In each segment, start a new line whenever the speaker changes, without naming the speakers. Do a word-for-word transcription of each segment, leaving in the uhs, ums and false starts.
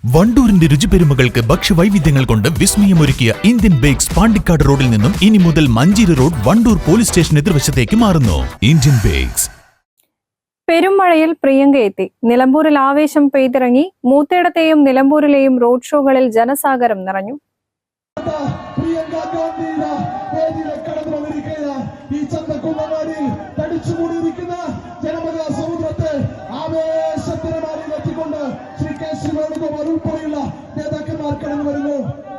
വണ്ടൂരിന്റെ രുചിപെരുമകൾക്ക് ഭക്ഷ്യവൈവിധ്യങ്ങൾ കൊണ്ട് വിസ്മയമൊരുക്കിയ Indian bakes Pandikkad റോഡിൽ നിന്നും ഇനി മുതൽ Manjeri road Wandoor police station എതിർവശത്തേക്ക് മാറുന്നു. Indian bakes.
പെരുമഴയിൽ പ്രിയങ്ക എത്തി. നിലമ്പൂരിൽ ആവേശം പെയ്തിറങ്ങി. മൂത്തേടത്തെയും നിലമ്പൂരിലെയും റോഡ് ഷോകളിൽ ജനസാഗരം നിറഞ്ഞു.
നേതാക്കന്മാർ കടന്നു വരുന്നു.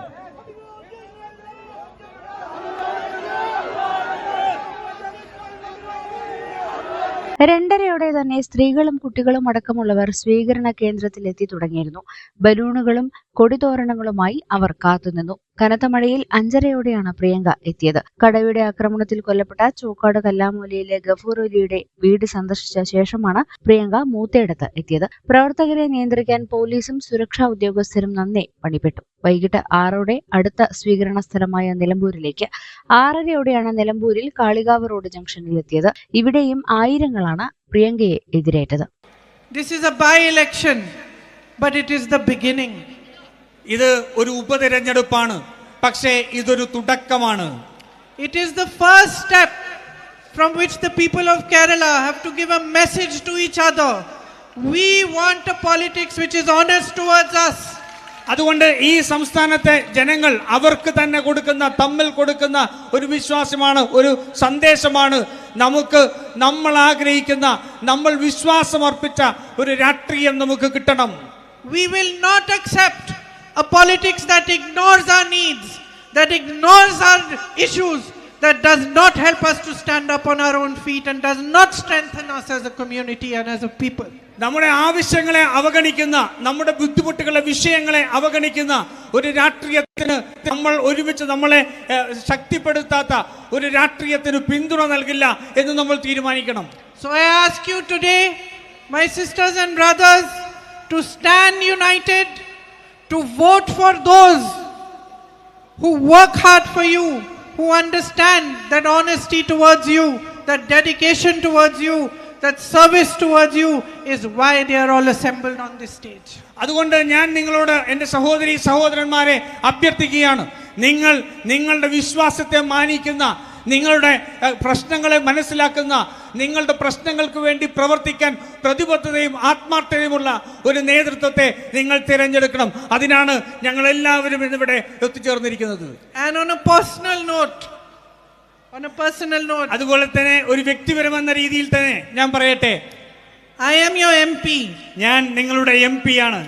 രണ്ടരയോടെ തന്നെ സ്ത്രീകളും കുട്ടികളും അടക്കമുള്ളവർ സ്വീകരണ കേന്ദ്രത്തിൽ എത്തി തുടങ്ങിയിരുന്നു. ബലൂണുകളും കൊടിതോരണങ്ങളുമായി അവർ കാത്തുനിന്നു. കനത്ത മഴയിൽ അഞ്ചരയോടെയാണ് പ്രിയങ്ക എത്തിയത്. കടയുടെ ആക്രമണത്തിൽ കൊല്ലപ്പെട്ട ചോക്കാട് കല്ലാമൂലയിലെ ഗഫൂർ അലിയുടെ വീട് സന്ദർശിച്ച ശേഷമാണ് പ്രിയങ്ക മൂത്തേടത്ത് എത്തിയത്. പ്രവർത്തകരെ നിയന്ത്രിക്കാൻ പോലീസും സുരക്ഷാ ഉദ്യോഗസ്ഥരും നന്നേ പണിപ്പെട്ടു. വൈകിട്ട് ആറോടെ അടുത്ത സ്വീകരണ സ്ഥലമായ നിലമ്പൂരിലേക്ക്, ആറരയോടെയാണ് നിലമ്പൂരിൽ കാളികാവ് റോഡ് ജംഗ്ഷനിൽ എത്തിയത്. ഇവിടെയും ആയിരങ്ങളാണ് പ്രിയങ്കയെ എതിരേറ്റത്.
This is a by-election, but it is the beginning.
ഇത് ഒരു ഉപതെരഞ്ഞെടുപ്പാണ്, പക്ഷേ ഇതൊരു തുടക്കമാണ്.
It is the first step from which the people of Kerala have to give a message to each other. We want a politics which is honest towards us.
അതുകൊണ്ട് ഈ സംസ്ഥാനത്തെ ജനങ്ങൾ അവർക്ക് തന്നെ കൊടുക്കുന്ന തമ്മിൽ കൊടുക്കുന്ന ഒരു വിശ്വാസമാണ്, ഒരു സന്ദേശമാണ്. നമുക്ക് നമ്മൾ ആഗ്രഹിക്കുന്ന, നമ്മൾ വിശ്വാസം അർപ്പിച്ച ഒരു രാഷ്ട്രീയം നമുക്ക് കിട്ടണം.
We will not accept a politics that ignores our needs, that ignores our issues, that does not help us to stand up on our own feet and does not strengthen us as a community and as a people.
നമ്മുടെ ആവശ്യങ്ങളെ അവഗണിക്കുന്ന, നമ്മുടെ ബുദ്ധിമുട്ടുകളെ, വിഷയങ്ങളെ അവഗണിക്കുന്ന ഒരു രാഷ്ട്രീയത്തിന്, നമ്മൾ ഒരുമിച്ച് നമ്മളെ ശക്തിപ്പെടുത്താത്ത ഒരു രാഷ്ട്രീയത്തിന് പിന്തുണ നൽകില്ല എന്ന് നമ്മൾ തീരുമാനിക്കണം.
So I ask you today, my sisters and brothers, to stand united, to vote for those who work hard for you, who understand that honesty towards you, that dedication towards you, that service towards you is why they are all assembled on this stage.
അതുകൊണ്ട് ഞാൻ നിങ്ങളോട്, എൻ്റെ സഹോദരി സഹോദരന്മാരെ അഭ്യർത്ഥിക്കുകയാണ്. നിങ്ങൾ നിങ്ങളുടെ വിശ്വാസത്തെ മാനിക്കുന്ന, നിങ്ങളുടെ പ്രശ്നങ്ങളെ മനസ്സിലാക്കുന്ന, നിങ്ങളുടെ പ്രശ്നങ്ങൾക്ക് വേണ്ടി പ്രവർത്തിക്കാൻ പ്രതിബദ്ധതയും ആത്മാർത്ഥതയുമുള്ള ഒരു നേതൃത്വത്തെ നിങ്ങൾ തിരഞ്ഞെടുക്കണം. അതിനാണ് ഞങ്ങൾ എല്ലാവരും ഇന്നിവിടെ എത്തിച്ചേർന്നിരിക്കുന്നത്.
And on a personal note, on a personal note,
അതുപോലെ തന്നെ ഒരു വ്യക്തിപരമെന്ന രീതിയിൽ തന്നെ ഞാൻ പറയട്ടെ,
I am your M P.
ഞാൻ നിങ്ങളുടെ എം പി ആണ്.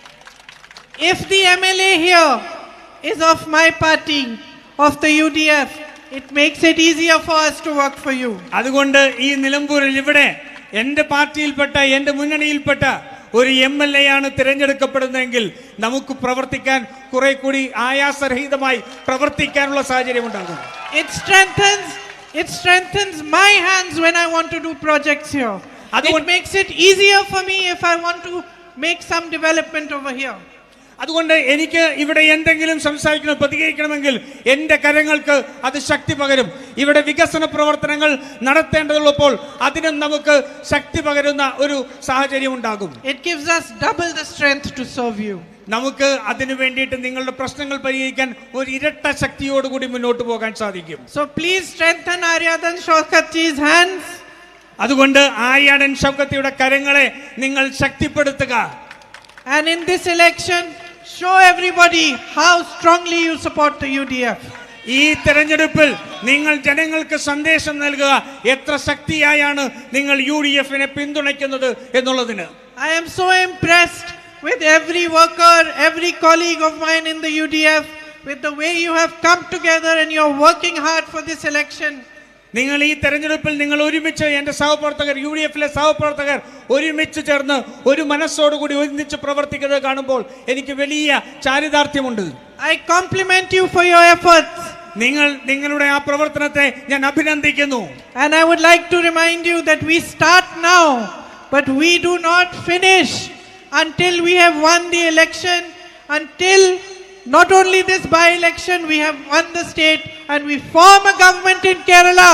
If the M L A here is of my party, of the U D F, it makes it easier for us to work for you.
അതുകൊണ്ട് ഈ നിലമ്പൂരിൽ ഇവിടെ എൻ്റെ പാർട്ടിയിൽപ്പെട്ട, എൻ്റെ മുന്നണിയിൽപ്പെട്ട ഒരു എം എൽ എ ആണ് തിരഞ്ഞെടുക്കപ്പെടുന്നതെങ്കിൽ നമുക്ക് പ്രവർത്തിക്കാൻ കുറെ കൂടി ആയാസരഹിതമായി പ്രവർത്തിക്കാനുള്ള സാഹചര്യം ഉണ്ടാകും.
It strengthens, it strengthens my hands when I want to do projects here. It makes it easier for me if I want to make some development over here.
അതുകൊണ്ട് എനിക്ക് ഇവിടെ എന്തെങ്കിലും സംസാരിക്കണം, പ്രതികരിക്കണമെങ്കിൽ എൻ്റെ കരങ്ങൾക്ക് അത് ശക്തി പകരും. ഇവിടെ വികസന പ്രവർത്തനങ്ങൾ നടത്തേണ്ടതുള്ളപ്പോൾ അതിനും നമുക്ക് ശക്തി പകരുന്ന ഒരു സാഹചര്യം ഉണ്ടാകും.
It gives us double the strength to serve you.
നമുക്ക് അതിനു വേണ്ടിയിട്ട് നിങ്ങളുടെ പ്രശ്നങ്ങൾ പരിഹരിക്കാൻ ഒരു ഇരട്ട ശക്തിയോടുകൂടി മുന്നോട്ട് പോകാൻ സാധിക്കും.
So please strengthen Aryadan Shawkatji's hands.
അതുകൊണ്ട് ആര്യാടൻ ഷൗക്കത്തിയുടെ കരങ്ങളെ നിങ്ങൾ ശക്തിപ്പെടുത്തുക.
And in this election, show everybody how strongly you support the U D F.
ഈ തെരഞ്ഞെടുപ്പിൽ നിങ്ങൾ ജനങ്ങൾക്ക് സന്ദേശം നൽകുക, എത്ര ശക്തിയായാണ് നിങ്ങൾ യു ഡി എഫിനെ പിന്തുണയ്ക്കുന്നത് എന്നുള്ളതിന്.
I am so impressed with every worker, every colleague of mine in the U D F, with the way you have come together and you're working hard for this election.
നിങ്ങൾ ഈ തെരഞ്ഞെടുപ്പിൽ നിങ്ങൾ ഒരുമിച്ച്, എൻ്റെ സഹപ്രവർത്തകർ, U D എഫിലെ സഹപ്രവർത്തകർ ഒരുമിച്ച് ചേർന്ന് ഒരു മനസ്സോടുകൂടി ഒന്നിച്ച് പ്രവർത്തിക്കുന്നത് കാണുമ്പോൾ എനിക്ക് വലിയ ചാരിതാർത്ഥ്യമുണ്ട്.
I compliment you for your efforts.
നിങ്ങൾ നിങ്ങളുടെ ആ പ്രവർത്തനത്തെ ഞാൻ അഭിനന്ദിക്കുന്നു.
And I would like to remind you that we start now, but we do not finish until we have won the election, until not only this by-election, we have won the state and we form a government in Kerala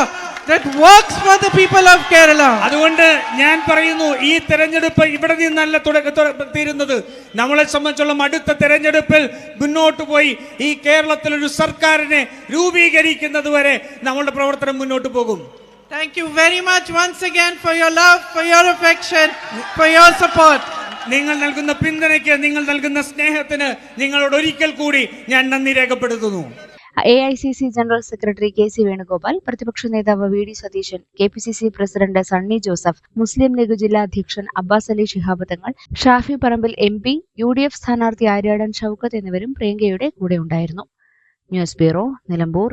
that works for the people of Kerala.
അതുകൊണ്ട് ഞാൻ പറയുന്നു, ഈ തെരഞ്ഞെടുപ്പ് ഇവിടെ നിന്നല്ല തുടക്ക തീരുന്നത്. നമ്മളെ സംബന്ധിച്ചുള്ള അടുത്ത തെരഞ്ഞെടുപ്പിൽ മുന്നോട്ട് പോയി ഈ കേരളത്തിൽ ഒരു സർക്കാരിനെ രൂപീകരിക്കുന്നത് വരെ നമ്മളുടെ പ്രവർത്തനം മുന്നോട്ട് പോകും.
Thank you very much once again for your love, for your affection, for your support.
നിങ്ങൾ നൽകുന്ന പിന്തുണയ്ക്ക്, നിങ്ങൾ നൽകുന്ന സ്നേഹത്തിന് നിങ്ങളോട് ഒരിക്കൽ കൂടി ഞാൻ നന്ദി രേഖപ്പെടുത്തുന്നു.
A I C C general secretary K C Venugopal, പ്രതിപക്ഷ നേതാവ് V D Satheesan, K P C C president Sunny Joseph, Muslim League ജില്ലാ അധ്യക്ഷൻ Abbas Ali Shihab Thangal, Shafi Parambil M P, U D F സ്ഥാനാർത്ഥി ആര്യാടൻ ഷൌക്കത്ത് എന്നിവരും പ്രിയങ്കയുടെ കൂടെ ഉണ്ടായിരുന്നു. News bureau, Nilambur.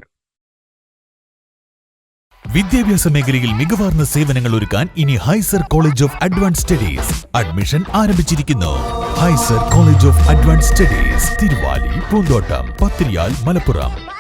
വിദ്യാഭ്യാസ മേഖലയിൽ മികവാർന്ന സേവനങ്ങൾ ഒരുക്കാൻ ഇനി ഹൈസർ college of advance studies admission ആരംഭിച്ചിരിക്കുന്നു. ഹൈസർ college of advance studies Thiruvali, പൂന്തോട്ടം, പത്തിരിയാൽ, മലപ്പുറം.